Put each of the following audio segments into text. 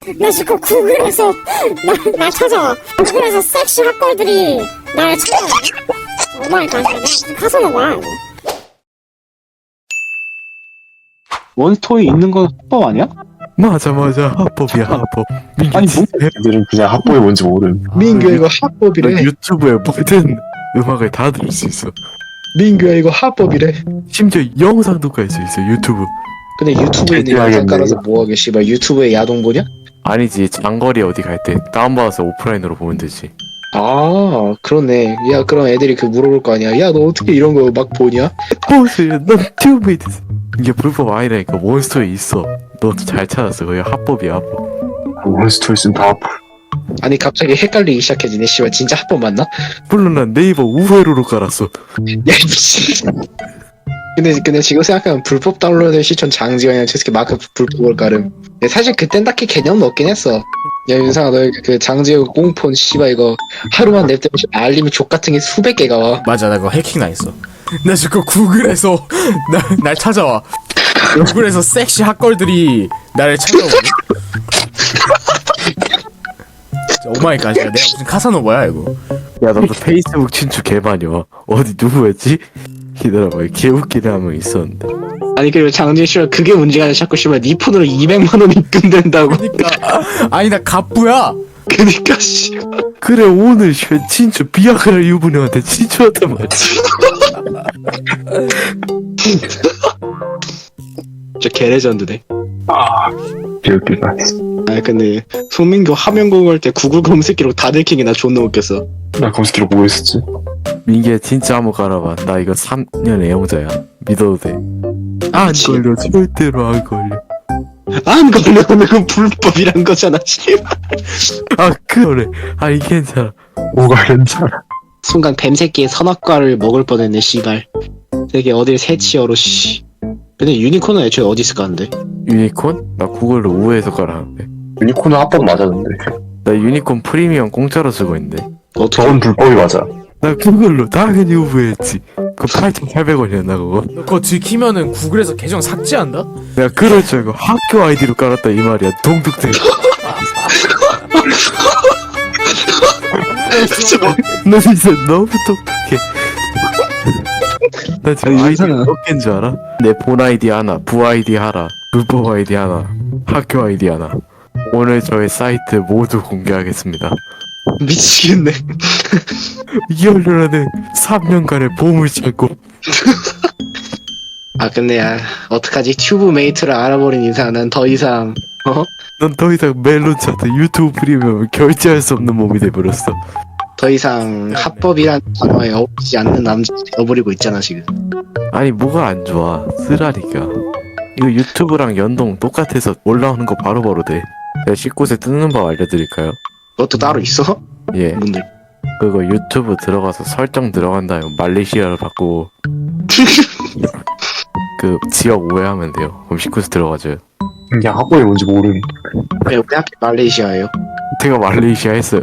나 지금 구글에서 날 찾아와. 구글에서 섹시 핫걸들이 날 찾아와. 오마이갓, 내가 지금 가서는 뭐야 이거. 원스토리 있는 건 합법 아니야? 맞아 합법이야 합법. 아니 뭐 애들은 그냥 합법이 뭔지 모름. 민규야 이거 합법이래. 유튜브에 모든 음악을 다 들을 수 있어. 민규야 이거 합법이래. 심지어 영상도 깔 수 있어 유튜브. 근데 유튜브에 있는 영상 깔아서 뭐하게 씨발 유튜브에 야동 보냐? 아니지 장거리 어디 갈 때 다운받아서 오프라인으로 보면 되지. 아 그러네. 야 그럼 애들이 그 물어볼 거 아니야. 야 너 어떻게 이런 거 막 보냐? 보세요 넌 튜브메이트. 이게 불법 아니라니까. 몬스터에 있어. 너 잘 찾았어. 그게 합법이야 합법. 원스토리 쓴 다 합법. 아니 갑자기 헷갈리기 시작해지네. 씨발 진짜 합법 맞나? 물론 난 네이버 우회로로 깔았어. 야 미친. 근데 지금 생각하면 불법 다운로드 시청 장지원이랑 저새끼 마크 불법을 깔음. 근데 사실 그땐 딱히 개념은 없긴 했어. 야 윤상아 너 그 장지원 꽁폰 씨발 이거 하루만 냅두면 알림이 족 같은 게 수백 개가 와. 맞아, 나 그거 해킹 당했어. 나 지금 구글에서 날 찾아와. 구글에서 섹시 핫걸들이 나를 찾아오네. 오마이갓, 내가 무슨 카사노바야 이거. 야 너도 페이스북 친추 개많이와. 어디 누구였지? 기다려봐. 개웃기는 한 명 있었는데. 아니 그리고 장지원 씨발 그게 문제가 아니라 자꾸 씨발 네 폰으로 200만 원 입금된다고. 그니까 아니 나 갑부야. 그니까 씨. 그래 오늘 친추 비아그라 유부녀한테 친추했단 말이야. 진짜 개레전드네. 개웃기다. 아 근데 송민규 화면 공유할 때 구글 검색기로 다 들키기 나 존나 웃겼어. 나 검색기로 뭐 했었지? 민기야 진짜 한번 깔아봐. 나 이거 3년 애용자야. 믿어도 돼. 안 그치. 걸려. 절대로 안 걸려. 안 걸려면 그건 불법이란 거잖아 씨발. 아 그래. 아니 괜찮아. 뭐가 괜찮아. 순간 뱀새끼의 선악과를 먹을 뻔했네 씨발. 되게 어딜 새치어로 씨. 근데 유니콘은 애초에 어디 있을까 하는데? 유니콘? 나 구글로 우회해서 깔았는데. 유니콘은 합법 맞았는데. 나 유니콘 프리미엄 공짜로 쓰고 있는데. 어떻게? 저건 불법이 맞아. 나 구글로 당연히 우회했지. 그 8,800원이었나 그거? 너 그거 들키면은 구글에서 계정 삭제한다? 내가 그럴 줄 알고 학교 아이디로 깔았다 이 말이야. 동득대. 너 진짜 너무 똑똑해. 나 지금 아니, 아이디 이상하다. 몇 개인 줄 알아? 내 본 아이디 하나, 부 아이디 하나, 불법 아이디 하나, 학교 아이디 하나. 오늘 저의 사이트 모두 공개하겠습니다. 미치겠네. 이 연료라는 3년간의 보물 찾고. 아 근데 야 어떡하지? 튜브 메이트를 알아버린 이상 난 더 이상 넌 더 이상 멜론 차트 유튜브 프리미엄을 결제할 수 없는 몸이 돼버렸어. 더 이상 합법이란 단어에 어울리지 않는 남자가 되어버리고 있잖아 지금. 아니 뭐가 안 좋아. 쓰라니까. 이거 유튜브랑 연동 똑같아서 올라오는 거 바로바로 돼. 제가 19세 뜨는 법 알려드릴까요? 그것도 따로 있어? 예. 뭔데? 그거 유튜브 들어가서 설정 들어간 다음에 말레이시아를 바꾸고 그 지역 오해하면 돼요. 그럼 19세 들어가줘요. 그냥 합법이 뭔지 모름. 왜 하필 말레이시아예요? 제가 말레이시아 했어요.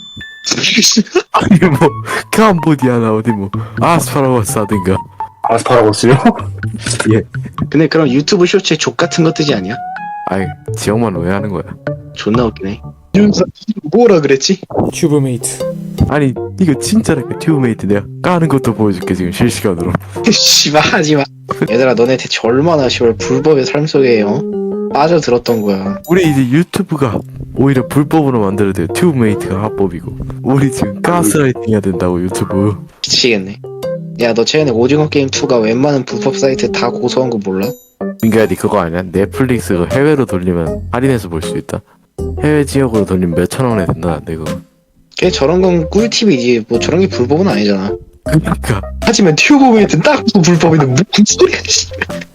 아니 뭐 캄보디아나 어디 뭐 아스파라거스 하든가. 아스파라거스요? 근데 그럼 유튜브 쇼츠에 족 같은 거 뜨지 않냐? 아이 지역만 오해하는 거야. 존나 웃기네. 윤서 뭐라 그랬지? 튜브메이트. 아니 이거 진짜라니까. 튜브메이트 내가 까는 것도 보여줄게 지금 실시간으로. 씨발 하지마. 얘들아 너네 대체 얼마나 씨발 불법의 삶 속에 빠져들었던 거야. 우리 이제 유튜브가 오히려 불법으로 만들어야 돼요. 튜브메이트가 합법이고. 우리 지금 가스라이팅 해야 된다고 유튜브. 미치겠네. 야 너 최근에 오징어 게임 2가 웬만한 불법 사이트 다 고소한 거 몰라? 민규야 니 그거 아니야? 넷플릭스 그 해외로 돌리면 할인해서 볼 수 있다. 해외 지역으로 돌리면 몇천 원에 된다는데 그거. 걔 저런 건 꿀팁이지 뭐 저런 게 불법은 아니잖아. 그니까 하지만 튜브 메이트는 딱 불법인데 무슨 소리야 씨.